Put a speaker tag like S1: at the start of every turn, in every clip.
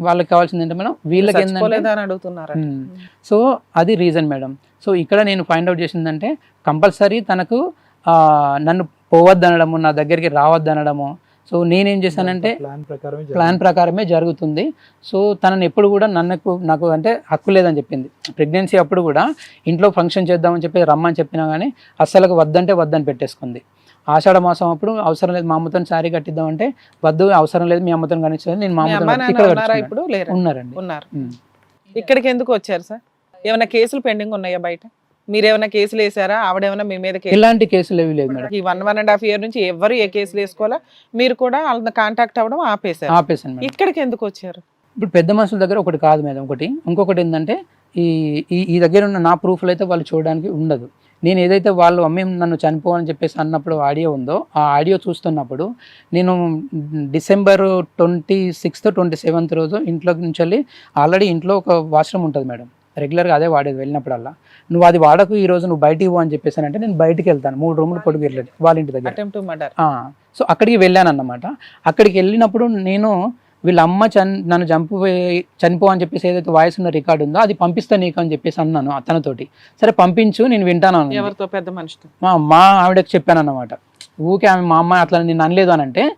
S1: వాళ్ళకి కావాల్సింది ఏంటంటే మేడం వీళ్ళకి
S2: చచ్చిపోలేదా అని అడుగుతున్నారా?
S1: సో అది రీజన్ మేడం. సో ఇక్కడ నేను ఫైండ్ అవుట్ చేసిందంటే కంపల్సరీ తనకు నన్ను పోవద్దనడము, నా దగ్గరికి రావద్దనడము. సో నేనేం చేశానంటే ప్లాన్ ప్రకారమే జరుగుతుంది. సో తనని ఎప్పుడు కూడా నాకు అంటే హక్కు లేదని చెప్పింది. ప్రెగ్నెన్సీ అప్పుడు కూడా ఇంట్లో ఫంక్షన్ చేద్దామని చెప్పి రమ్మని చెప్పినా కానీ అస్సలు వద్దంటే వద్దని పెట్టేసుకుంది. ఆషాఢ మాసం అప్పుడు అవసరం లేదు మా అమ్మతో శారీ కట్టిద్దామంటే వద్దు, అవసరం లేదు మీ అమ్మతో కనిపించలేదు, నేను మా అమ్మతో ఉన్నారండి.
S2: ఇక్కడికి ఎందుకు వచ్చారు సార్? ఏమైనా కేసులు పెండింగ్ ఉన్నాయా బయట? మీరేమైనా కేసులు వేసారా? ఆవిడేమైనా మీ మీద?
S1: ఇలాంటి కేసులు ఏవి లేదు మేడం.
S2: ఈ 1.5 year నుంచి ఎవరు ఏ కేసులు వేసుకోవాలా, మీరు కూడా వాళ్ళని కాంటాక్ట్ అవ్వడం ఆపేశాను. ఇక్కడికి ఎందుకు వచ్చారు?
S1: ఇప్పుడు పెద్ద మనుషుల దగ్గర ఒకటి కాదు మేడం, ఇంకొకటి ఏంటంటే ఈ దగ్గర ఉన్న నా ప్రూఫ్లు అయితే వాళ్ళు చూడడానికి ఉండదు. నేను ఏదైతే వాళ్ళు అమ్మే నన్ను చనిపోవాలని చెప్పేసి అన్నప్పుడు ఆడియో ఉందో ఆ ఆడియో చూస్తున్నప్పుడు నేను December 26th 27th రోజు ఇంట్లో నుంచి వెళ్ళి ఆల్రెడీ ఇంట్లో ఒక వాష్రూమ్ ఉంటుంది మేడం, రెగ్యులర్గా అదే వాడేది. వెళ్ళినప్పుడల్లా నువ్వు అది వాడకు, ఈ రోజు నువ్వు బయటికి పో అని చెప్పేసానంటే నేను బయటికి వెళ్తాను. 3 రూములు పొడుగు వెళ్ళలేదు వాళ్ళ ఇంటి దగ్గర. సో అక్కడికి వెళ్ళాను అన్నమాట. అక్కడికి వెళ్ళినప్పుడు నేను వీళ్ళ అమ్మ నన్ను చనిపో అని చెప్పేసి ఏదైతే వాయిస్ ఉన్న రికార్డు ఉందో అది పంపిస్తా నీకు అని చెప్పేసి అన్నాను అతనితోటి. సరే పంపించు నేను వింటాను.
S2: ఎవరితో? పెద్ద మనిషితో.
S1: మా ఆవిడకి చెప్పాను అన్నమాట. ఊకే ఆమె మా అమ్మ అట్లా నేను అనలేదు అని అంటే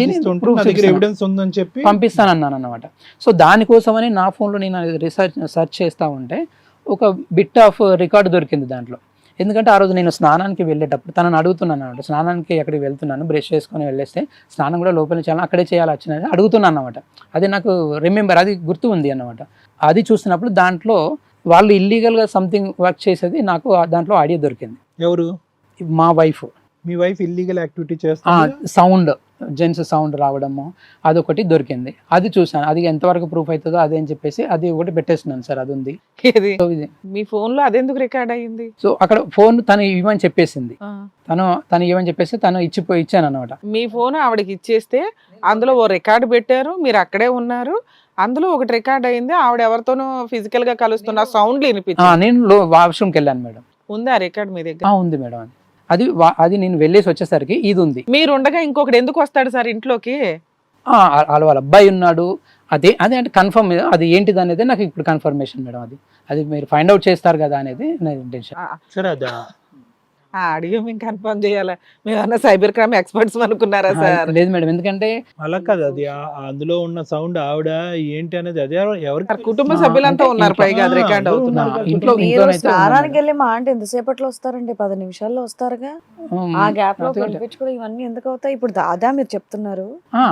S1: పంపిస్తాను అన్నాను అన్నమాట. సో దానికోసమని నా ఫోన్లో నేను సెర్చ్ చేస్తూ ఉంటే ఒక బిట్ ఆఫ్ రికార్డు దొరికింది దాంట్లో. ఎందుకంటే ఆ రోజు నేను స్నానానికి వెళ్ళేటప్పుడు తనని అడుగుతున్నాను అనమాట, స్నానానికి ఎక్కడికి వెళ్తున్నాను, బ్రష్ చేసుకొని వెళ్ళేస్తే స్నానం కూడా లోపల చేయాలి, అక్కడే చేయాలి వచ్చినది అడుగుతున్నాను అనమాట. అది నాకు అది గుర్తు ఉంది అన్నమాట. అది చూసినప్పుడు దాంట్లో వాళ్ళు ఇల్లీగల్గా సంథింగ్ వర్క్ చేసేది నాకు దాంట్లో ఆడియో దొరికింది.
S3: ఎవరు?
S1: మా వైఫ్.
S3: మీ వైఫ్ ఇల్లీగల్ యాక్టివిటీ చేస్తా
S1: సౌండ్, జెంట్స్ సౌండ్ రావడము అదొకటి దొరికింది. అది చూసాను, అది ఎంతవరకు ప్రూఫ్ అవుతుందో అదే అని చెప్పేసి అది ఒకటి పెట్టేస్తున్నాను సార్. అది ఉంది
S2: మీ ఫోన్ లో, అదెందుకు రికార్డ్ అయ్యింది?
S1: సో అక్కడ ఫోన్ తను ఇవ్వని చెప్పేసింది, తను ఇవ్వని చెప్పేసి తను ఇచ్చాను అనమాట. మీ ఫోన్
S2: ఆవిడకి ఇచ్చేస్తే అందులో ఓ రికార్డు పెట్టారు, మీరు అక్కడే ఉన్నారు, అందులో ఒకటి రికార్డ్ అయింది, ఆవిడ ఎవరితోనో ఫిజికల్ గా కలుస్తున్న సౌండ్లు వినిపించారు.
S1: నేను వాష్రూమ్కి వెళ్ళాను మేడం.
S2: ఉందా రికార్డ్ మీ దగ్గర?
S1: ఉంది మేడం. అది నేను వెళ్ళేసి వచ్చేసరికి ఇది ఉంది.
S2: మీరు ఉండగా ఇంకొకటి ఎందుకు వస్తాడు సార్ ఇంట్లోకి?
S1: వాళ్ళ అబ్బాయి ఉన్నాడు. అదే అంటే కన్ఫర్మ్, అది ఏంటిది అనేది నాకు ఇప్పుడు కన్ఫర్మేషన్ మేడం. అది మీరు ఫైండ్ అవుట్ చేస్తారు కదా అనేది నా ఇంటెన్షన్.
S2: అడిగి మేము కన్ఫర్మ్ చేయాలా? మేమన్నా సైబర్ క్రైమ్ ఎక్స్పర్ట్స్ అనుకున్నారా సార్?
S1: లేదు మేడం, ఎందుకంటే
S3: అలా కాదు, అది అందులో ఉన్న సౌండ్ ఆవిడ ఏంటి అనేది అదే ఎవరికి
S2: కుటుంబ సభ్యులంతా ఉన్నారు, పైగా అది రికార్డ్ అవుతున్నారు.
S1: ఇంట్లో
S4: స్నానానికి వెళ్ళి మా అంటే ఎంతసేపట్లో వస్తారండి? 10 నిమిషాల్లో వస్తారుగా. ఆ గ్యాప్ లో కూడా ఇవన్నీ ఎందుకు అవుతాయి? ఇప్పుడు దాదా మీరు చెప్తున్నారు,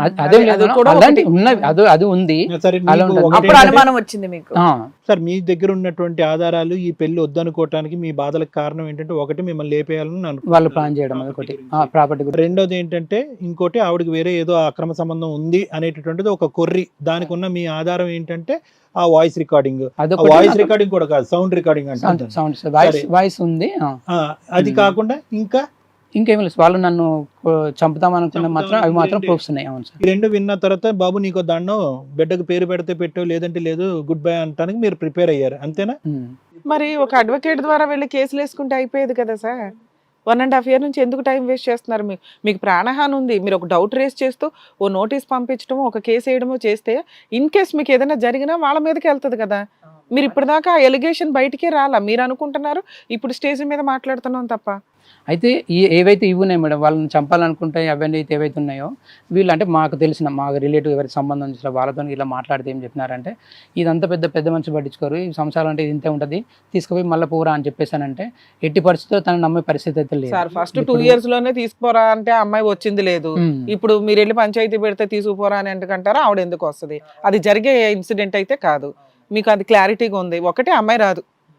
S1: అది ఉంది.
S4: అప్పుడు అనుమానం వచ్చింది మీకు.
S3: సార్ మీ దగ్గర ఉన్నటువంటి ఆధారాలు ఈ పెళ్లి వద్దనుకోవటానికి మీ బాధలకు కారణం ఏంటంటే, ఒకటి మిమ్మల్ని లేపేయాలని
S1: వాళ్ళు ప్లాన్ చేయడం, ప్రాపర్టీ.
S3: రెండోది ఏంటంటే, ఇంకోటి ఆవిడకి వేరే ఏదో అక్రమ సంబంధం ఉంది అనేటటువంటిది ఒక కొర్రి. దానికి ఉన్న మీ ఆధారం ఏంటంటే ఆ వాయిస్ రికార్డింగ్. వాయిస్ రికార్డింగ్ కూడా కాదు, సౌండ్ రికార్డింగ్ అంటే
S1: వాయిస్ ఉంది.
S3: అది కాకుండా
S1: ఇంకేం లేదు, వాళ్ళు నన్ను చంపుతామనుకున్న మాత్రం అవి మాత్రం ప్రూఫ్స్ ఉన్నాయి. అవును సార్.
S3: ఈ రెండు విన్న తర్వాత బాబు నీకు దండం, బిడ్డకు పేరు పెడితే పెట్టు, లేదంటే లేదు, గుడ్ బై అంటానికి మీరు ప్రిపేర్ అయ్యారు, అంతేనా?
S2: మరి ఒక అడ్వకేట్ ద్వారా వెళ్ళి కేసులు వేసుకుంటే అయిపోయేది కదా సార్. 1.5 year నుంచి ఎందుకు టైం వేస్ట్ చేస్తున్నారు? మీకు ప్రాణహాని ఉంది, మీరు ఒక డౌట్ రేస్ చేస్తూ ఓ నోటీస్ పంపించడమో ఒక కేసు వేయడమో చేస్తే ఇన్ కేస్ మీకు ఏదైనా జరిగినా వాళ్ళ మీదకి వెళ్తుంది కదా. మీరు ఇప్పటిదాకా ఎలిగేషన్ బయటికే రాలా, మీరు అనుకుంటున్నారు ఇప్పుడు స్టేజ్ మీద మాట్లాడుతున్నాం తప్ప.
S1: అయితే ఏవైతే ఇవి ఉన్నాయి మేడం, వాళ్ళని చంపాలనుకుంటే అవన్నీ అయితే ఏవైతే ఉన్నాయో, వీళ్ళు అంటే మాకు తెలిసిన మాకు రిలేటివ్ ఎవరికి సంబంధం చేసిన వాళ్ళతో ఇలా మాట్లాడితే ఏం చెప్పినారంటే, ఇదంతా పెద్ద మనిషి పట్టించుకోరు, ఈ సంసారం అంటే ఇంతే ఉంటుంది, తీసుకుపోయి మళ్ళీ పోరా అని చెప్పేసానంటే ఎట్టి పరిస్థితితో తను నమ్మే పరిస్థితి అయితే లేదు
S2: సార్. ఫస్ట్ 2 years లోనే తీసుకుపోరా అంటే అమ్మాయి వచ్చింది లేదు, ఇప్పుడు మీరు వెళ్ళి పంచాయతీ పెడితే తీసుకుపోరా అని ఎందుకంటారా? ఆవిడ ఎందుకు వస్తుంది? అది జరిగే ఇన్సిడెంట్ అయితే కాదు, మీకు అది క్లారిటీగా ఉంది. ఒకటి అమ్మాయి రాదు,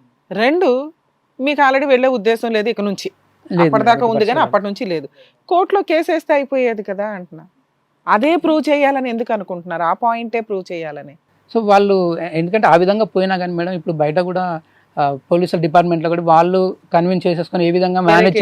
S2: 2 మీకు ఆల్రెడీ వెళ్ళే ఉద్దేశం లేదు ఇక నుంచి. అప్పటిదాకా ఉంది కానీ అప్పటి నుంచి లేదు. కోర్టులో కేసు వేస్తే అయిపోయేది కదా అంటున్నా. అదే ప్రూవ్ చేయాలని ఎందుకు అనుకుంటున్నారు? ఆ పాయింటే ప్రూవ్ చేయాలని.
S1: సో వాళ్ళు ఎందుకంటే ఆ విధంగా పోయినా కానీ మేడం, ఇప్పుడు బయట కూడా పోలీసుల డిపార్ట్మెంట్లో కూడా వాళ్ళు కన్విన్స్ చేసేసుకొని ఏ విధంగా మేనేజ్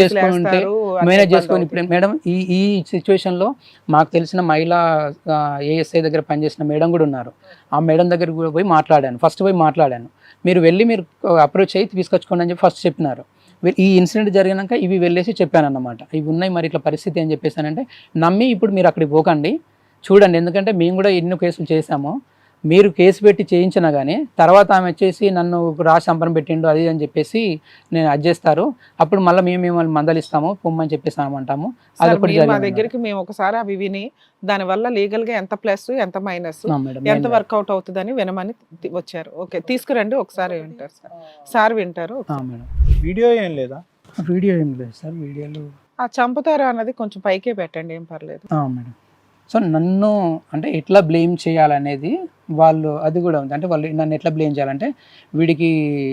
S1: చేసుకొని ఇప్పుడు మేడం ఈ సిచ్యువేషన్లో మాకు తెలిసిన మహిళా ఏఎస్ఐ దగ్గర పనిచేసిన మేడం కూడా ఉన్నారు. ఆ మేడం దగ్గర కూడా పోయి మాట్లాడాను. మీరు వెళ్ళి మీరు అప్రోచ్ అయ్యి తీసుకొచ్చుకోండి అని చెప్పి ఫస్ట్ చెప్పినారు. ఈ ఇన్సిడెంట్ జరిగినాక ఇవి వెళ్ళేసి చెప్పాను అన్నమాట, ఇవి ఉన్నాయి మరి ఇట్లా పరిస్థితి అని చెప్పేసానంటే నమ్మి ఇప్పుడు మీరు అక్కడికి పోకండి, చూడండి, ఎందుకంటే మేము కూడా ఎన్నో కేసులు చేసాము, మీరు కేసు పెట్టి చేయించినా కానీ తర్వాత ఆమె వచ్చేసి నన్ను రాసి సంపరం పెట్టిండు అది అని చెప్పేసి నేను అడ్జేస్తారు, అప్పుడు మళ్ళీ మేము మిమ్మల్ని మందలిస్తాము పొమ్మని చెప్పేసి అంటాము.
S2: సార్,
S1: అదొకటి
S2: మీరు మా
S1: జరిగింది
S2: దగ్గరికి మేము ఒకసారి అవి విని దాని వల్ల లీగల్ గా ఎంత ప్లస్ ఎంత మైనస్
S1: మేడం.
S2: ఎంత వర్కౌట్ అవుతుందని వినమని వచ్చారు. ఓకే, తీసుకురండి, ఒకసారి వింటారు సార్. సార్ వింటారు.
S1: మేడం
S3: వీడియో ఏం లేదా?
S1: వీడియో ఏం లేదు సార్, వీడియోలు
S2: ఆ చంపుతారా అన్నది కొంచెం పైకే పెట్టండి, ఏం పర్లేదు.
S1: మేడం. సో నన్ను అంటే ఎట్లా బ్లేమ్ చేయాలనేది వాళ్ళు అది కూడా ఉంది. అంటే వాళ్ళు నన్ను ఎట్లా బ్లేమ్ చేయాలంటే వీడి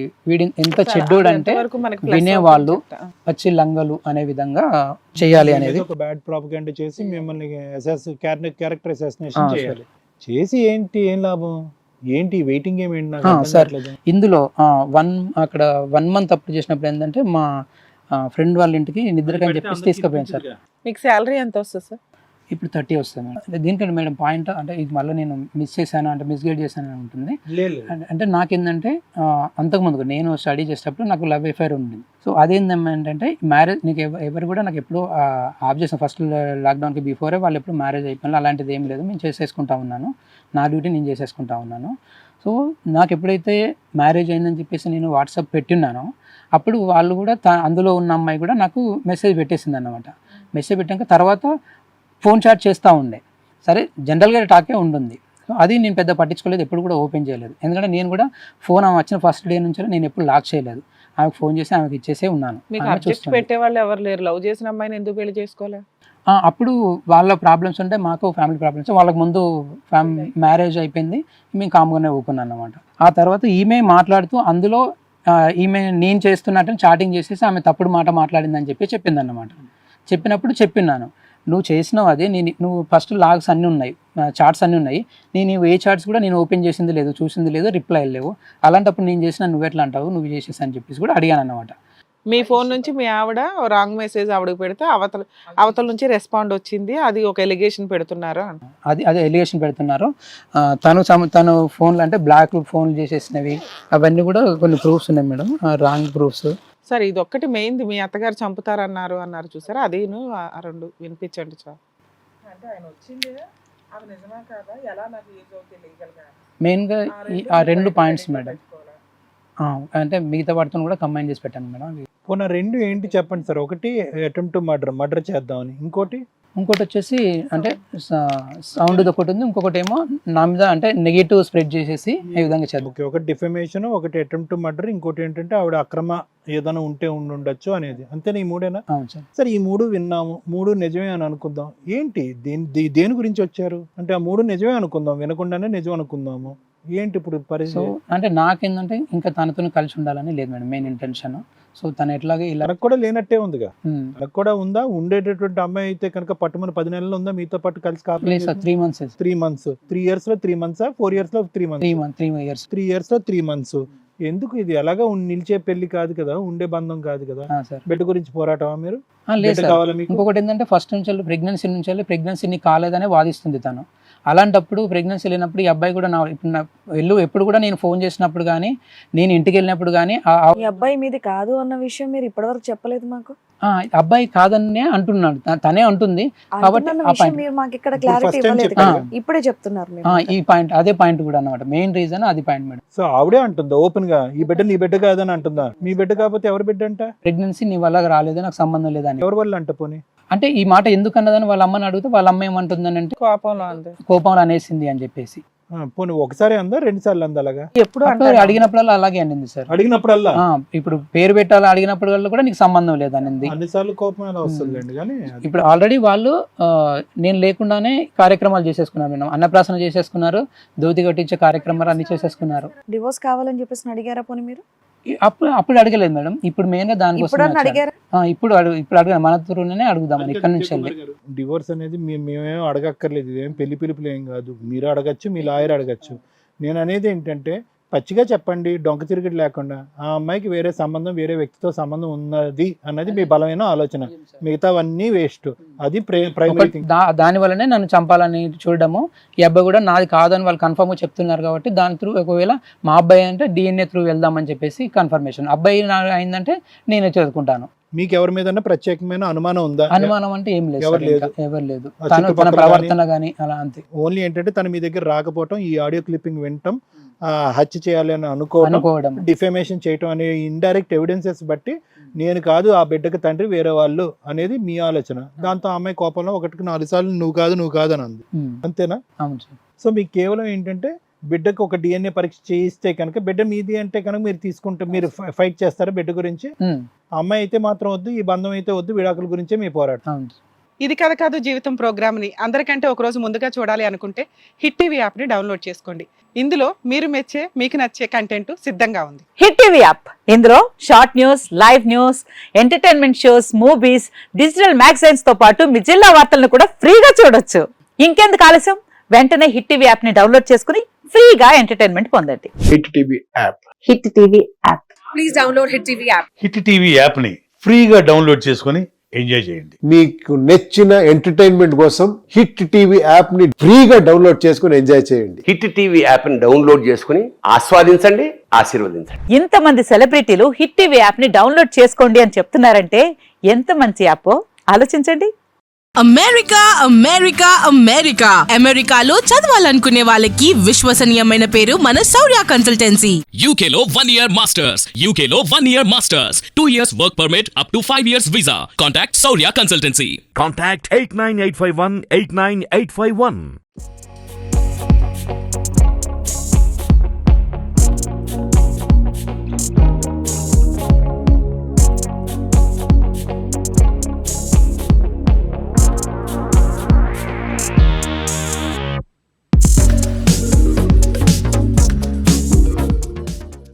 S1: ఎంత చెడ్డోడు అంటే వినేవాళ్ళు పచ్చి లంగలు అనే విధంగా చేయాలి అనేది
S3: ఒక బ్యాడ్ ప్రాపగండా చేసి మిమ్మల్ని క్యారెక్టర్ అసాసినేషన్ చేయాలి. చేసి ఏం లాభం ఏంటి? వెయిటింగ్ ఏమేంటి
S1: సార్? ఇందులో అక్కడ 1 month అప్పుడు చేసినప్పుడు ఏంటంటే మా ఫ్రెండ్ వాళ్ళ ఇంటికి నిద్రకని చెప్పేసి తీసుకుపోయాను సార్.
S2: మీకు శాలరీ ఎంత వస్తుంది సార్?
S1: ఇప్పుడు 30 వస్తుంది మేడం. దీనికంటే మేడం పాయింట్ అంటే ఇది మళ్ళీ నేను మిస్ చేశాను అంటే మిస్గైడ్ చేశాను అని ఉంటుంది. అంటే నాకేంటంటే అంతకుముందు నేను స్టడీ చేసేటప్పుడు నాకు లవ్ అఫైర్ ఉంది. సో అదేంటంటే మ్యారేజ్ నీకు ఎవరు కూడా నాకు ఎప్పుడు ఆఫ్ చేసాను. ఫస్ట్ లాక్డౌన్కి బిఫోరే వాళ్ళు ఎప్పుడు మ్యారేజ్ అయిపోయినా అలాంటిది ఏం లేదు, నేను చేసేసుకుంటా ఉన్నాను, నా డ్యూటీ నేను చేసేసుకుంటా ఉన్నాను. సో నాకు ఎప్పుడైతే మ్యారేజ్ అయిందని చెప్పేసి నేను వాట్సాప్ పెట్టినానో అప్పుడు వాళ్ళు కూడా అందులో ఉన్న అమ్మాయి కూడా నాకు మెసేజ్ పెట్టేసింది అన్నమాట. మెసేజ్ పెట్టాక తర్వాత ఫోన్ చాట్ చేస్తూ ఉండే. సరే జనరల్గా టాకే ఉంటుంది. సో అది నేను పెద్ద పట్టించుకోలేదు, ఎప్పుడు కూడా ఓపెన్ చేయలేదు. ఎందుకంటే నేను కూడా ఫోన్ ఆమె వచ్చిన ఫస్ట్ డే నుంచి నేను ఎప్పుడు లాక్ చేయలేదు. ఆమెకు ఫోన్ చేసి ఆమెకి ఇచ్చేసే ఉన్నాను.
S2: పెట్టే వాళ్ళు ఎవరు లేరు? లవ్ చేసిన అమ్మాయిని ఎందుకు పెళ్లి చేసుకోలే?
S1: అప్పుడు వాళ్ళ ప్రాబ్లమ్స్ ఉంటే మాకు ఫ్యామిలీ ప్రాబ్లమ్స్. వాళ్ళకి ముందు మ్యారేజ్ అయిపోయింది, మేము కామ్గానే ఊకున్నాను అన్నమాట. ఆ తర్వాత ఈమె మాట్లాడుతూ అందులో ఈమె నేను చేస్తున్నట్టు చాటింగ్ చేసేసి ఆమె తప్పుడు మాట మాట్లాడిందని చెప్పి చెప్పింది అన్నమాట. చెప్పినప్పుడు చెప్పినాను, నువ్వు చేసినావు అదే, నువ్వు ఫస్ట్ లాగ్స్ అన్నీ ఉన్నాయి, చార్ట్స్ అన్నీ ఉన్నాయి, నేను ఏ చార్ట్స్ కూడా నేను ఓపెన్ చేసింది లేదు, చూసింది లేదు, రిప్లై లేవు, అలాంటప్పుడు నేను చేసిన నువ్వు ఎట్లా అంటావు, నువ్వు చేసేసి అని చెప్పేసి కూడా అడిగాను అన్నమాట.
S2: మీ ఫోన్ నుంచి మీ ఆవిడ రాంగ్ మెసేజ్ ఆవిడకి పెడితే అవతల నుంచి రెస్పాండ్ వచ్చింది, అది ఒక ఎలిగేషన్ పెడుతున్నారు.
S1: అదే ఎలిగేషన్ పెడుతున్నారు. తను ఫోన్లు అంటే బ్లాక్ ఫోన్లు చేసేసినవి అవన్నీ కూడా కొన్ని ప్రూఫ్స్ ఉన్నాయి మేడం, రాంగ్ ప్రూఫ్స్.
S2: సరే, ఇది ఒక్కటి మెయిన్ది, మీ అత్తగారు చంపుతారన్నారు చూసారా, అది ఆ 2 వినిపించండి చాలు. అంటే ఆయన వచ్చింది అది నిజమా కాదా, ఎలా నాకు యూజ్ అవుతుంది లీగల్ గా,
S1: మెయిన్గా ఆ 2 పాయింట్స్ మేడం. అంటే మిగతా వాటితో కూడా కంబైన్ చేసి పెట్టాను మేడం.
S3: పోనా 2 ఏంటి చెప్పండి సార్? ఒకటి అటెంప్ట్ టు మర్డర్ చేద్దామని, ఇంకోటి
S1: వచ్చేసి అంటే సౌండ్ ఒకటి ఉంది, ఇంకొకటి ఏమో నా మీద అంటే నెగిటివ్ స్ప్రెడ్ చేసేసి ఈ విధంగా చేద్దాం.
S3: ఓకే, ఒకటి డిఫమేషన్, ఒకటి అటెంప్ట్ టు మర్డర్, ఇంకోటి ఏంటంటే ఆవిడ అక్రమ ఏదైనా ఉండొచ్చు అనేది. అంతేనా? ఈ 3ఏనా?
S1: అవును సార్.
S3: సరే, ఈ 3 విన్నాము, 3 నిజమే అని అనుకుందాం. ఏంటి దేని గురించి వచ్చారు అంటే ఆ 3 నిజమే అనుకుందాం, వినకుండానే నిజం అనుకుందాము. ఏంటి ఇప్పుడు పరిస్థితి?
S1: అంటే నాకేంటంటే ఇంకా తనతో కలిసి ఉండాలని లేదు మేడం మెయిన్ ఇంటెన్షన్. సో తను ఎట్లాగే ఇలా
S3: తనకు కూడా లేనట్టే ఉందిగా. తనకు కూడా ఉందా? ఉండేటటువంటి అమ్మాయి అయితే కనుక పట్టుమని 10 నెలలు ఉందా మీతో పాటు కలిసి?
S1: 3 months.
S3: 3 months. 3 years లో 3 months, 4 years లో 3 months?
S1: 3 years.
S3: 3 years లో 3 months. ఎందుకు? ఇది ఎలాగా నిలిచే పెళ్లి కాదు కదా, ఉండే బంధం కాదు కదా. బిడ్డ గురించి పోరాటమా మీరు?
S1: లేదు. ఇంకొకటి ఏంటంటే ఫస్ట్ నుంచి ప్రెగ్నెన్సీ నీకు కాలేదనే వాదిస్తుంది తను. అలాంటప్పుడు ప్రెగ్నెన్సీ లేనప్పుడు ఈ అబ్బాయి కూడా ఎప్పుడు కూడా నేను ఫోన్ చేసినప్పుడు కానీ నేను ఇంటికి వెళ్ళినప్పుడు కానీ
S4: ఈ అబ్బాయి మీది కాదు అన్న విషయం మీరు ఇప్పటివరకు చెప్పలేదు మాకు.
S1: అబ్బాయి కాదనే అంటున్నాడు, తనే అంటుంది. కాబట్టి
S4: మీరు మాకు ఇక్కడ క్లారిటీ ఇవ్వలేదు, ఇప్పుడే చెప్తున్నారు
S1: ఈ పాయింట్. అదే పాయింట్ కూడా అన్నమాట, మెయిన్ రీజన్ అది పాయింట్ మేడం.
S3: సో ఆవిడే అంటుందా ఓపెన్ గా ఈ బిడ్డ నీ బిడ్డ కాదని అంటుందా? మీ బిడ్డ కాకపోతే ఎవరి బిడ్డ అంట?
S1: ప్రెగ్నెన్సీ నీ వల్ల రాలేదు, నాకు సంబంధం లేదని.
S3: ఎవరి వల్ల అంట? పోనీ
S1: అంటే ఈ మాట ఎందుకు అన్నదని వాళ్ళ అమ్మని అడిగితే వాళ్ళ అమ్మ ఏమంటుందని అంటే కోపంలో అనేసింది అని చెప్పేసి.
S3: పోనీ ఒకసారి అందా, 2 సార్లు అందా? అలాగా
S2: ఎప్పుడు
S1: అడిగినప్పుడల్లా అలాగే అనింది సార్.
S3: అడిగినప్పుడల్లా ఇప్పుడు
S1: పేరు పెట్టాలి అడిగినప్పుడు కూడా నీకు సంబంధం లేదనింది.
S3: అన్నిసార్లు కోపం ఎలా వస్తుందండి? కానీ
S1: ఇప్పుడు ఆల్రెడీ వాళ్ళు నేను లేకుండానే కార్యక్రమాలు చేసేసుకున్నారు మేడం, అన్నప్రాసన చేసేసుకున్నారు, దోతి కట్టించే కార్యక్రమాలు అన్ని చేసేసుకున్నారు.
S4: డివోర్స్ కావాలని చెప్పేసి అడిగారా పోనీ మీరు?
S1: అప్పుడు అడగలేదు మేడం, ఇప్పుడు మెయిన్ గా దానికోసం ఇప్పుడు అడగ మన త్రూనే అడుగుదామని ఇక్కడ నుంచి వెళ్ళి.
S3: డివోర్స్ అనేది మేమేం అడగక్కర్లేదు, ఇదేం పెళ్లి పిలుపులు ఏం కాదు. మీరు అడగచ్చు, మీ లాయర్ అడగచ్చు. నేను అనేది ఏంటంటే పచ్చిగా చెప్పండి, డొంక తిరిగిడి లేకుండా. ఆ అమ్మాయికి వేరే సంబంధం, వేరే వ్యక్తితో సంబంధం ఉన్నది అన్నది మీ బలమైన ఆలోచన, మిగతావన్నీ వేస్ట్. అది ప్రైమరీ థింగ్.
S1: దాని వల్లనే నన్ను చంపాలని చూడడము. ఈ అబ్బాయి కూడా నాది కాదని వాళ్ళు కన్ఫర్మ్ గా చెప్తున్నారు కాబట్టి దాని త్రూ ఒకవేళ మా అబ్బాయి అంటే DNA త్రూ వెళ్దామని చెప్పేసి కన్ఫర్మేషన్. అబ్బాయి అయిందంటే నేనే చదువుకుంటాను.
S3: మీకు ఎవరి మీద ప్రత్యేకమైన అనుమానం ఉందా?
S1: అనుమానం అంటే ఏం లేదు
S3: ఎవరు
S1: సార్, ఇంకా
S3: లేదు.
S1: ఎవరు లేదు.
S3: ఆ
S1: తన
S3: చుట్టుపక్కల
S1: ప్రవర్తన గానీ అలా అంతే.
S3: ఓన్లీ ఏంటంటే తను మీ దగ్గర రాకపోవటం, ఈ ఆడియో క్లిప్పింగ్ వినటం, హత్య చేయాలి అని అనుకోవడం, డిఫేమేషన్ చేయటం అనే ఇండైరెక్ట్ ఎవిడెన్సెస్ బట్టి నేను కాదు ఆ బిడ్డకి తండ్రి వేరే వాళ్ళు అనేది మీ ఆలోచన. దాంతో ఆ అమ్మాయి కోపంలో 1-4 సార్లు నువ్వు కాదు అని అంది. అంతేనా?
S1: అవును సార్.
S3: సో మీకు కేవలం ఏంటంటే బిడ్డకు ఒక DNA పరీక్ష చేయిస్తే కనుక బిడ్డ మీది అంటే కనుక మీరు తీసుకుంటే మీరు ఫైట్ చేస్తారా బిడ్డ గురించి? ఆ అమ్మాయి అయితే మాత్రం వద్దు, ఈ బంధం అయితే వద్దు, విడాకుల గురించే మీ పోరాటం.
S1: అవును.
S2: ఇది కథ కాదు జీవితం ప్రోగ్రామ్ ని అందరికంటే ఒక రోజు ముందుగా చూడాలి అనుకుంటే హిట్ టీవీ యాప్ ని డౌన్లోడ్ చేసుకోండి. ఇందులో మీరు మెచ్చే మీకు నచ్చే కంటెంట్ సిద్ధంగా ఉంది.
S5: హిట్ టీవీ యాప్, ఇందులో short news, live news, entertainment shows, movies, digital magazines తో పాటు మీ జిల్లా వార్తలను కూడా ఫ్రీగా చూడొచ్చు. ఇంకెందుకు ఆలస్యం, వెంటనే హిట్ టీవీ యాప్ ని డౌన్లోడ్ చేసుకుని ఫ్రీగా ఎంటర్టైన్మెంట్ పొందండి.
S6: Hit TV app.
S5: Hit TV app.
S7: Please download Hit TV app.
S8: Hit TV యాప్ని ఫ్రీగా డౌన్లోడ్ చేసుకొని ఎంజాయ్ చేయండి.
S6: మీకు నచ్చిన ఎంటర్టైన్మెంట్ కోసం హిట్ టీవీ యాప్ ని ఫ్రీగా డౌన్లోడ్ చేసుకుని ఎంజాయ్ చేయండి.
S9: హిట్ టీవీ యాప్ని డౌన్లోడ్ చేసుకుని ఆస్వాదించండి, ఆశీర్వదించండి.
S5: ఇంతమంది సెలబ్రిటీలు హిట్ టీవీ యాప్ ని డౌన్లోడ్ చేసుకోండి అని చెప్తున్నారంటే ఎంత మంచి యాప్ ఆలోచించండి.
S7: అమెరికా అమెరికా అమెరికా అమెరికాలో చదవాలనుకునే వాళ్ళకి విశ్వసనీయమైన పేరు మన శౌర్య కన్సల్టెన్సీ.
S10: UK లో 1 year masters. UK లో 1 year masters. 2 years work permit up to 5 years visa. Contact Saurya Consultancy.
S11: Contact 89851 89851.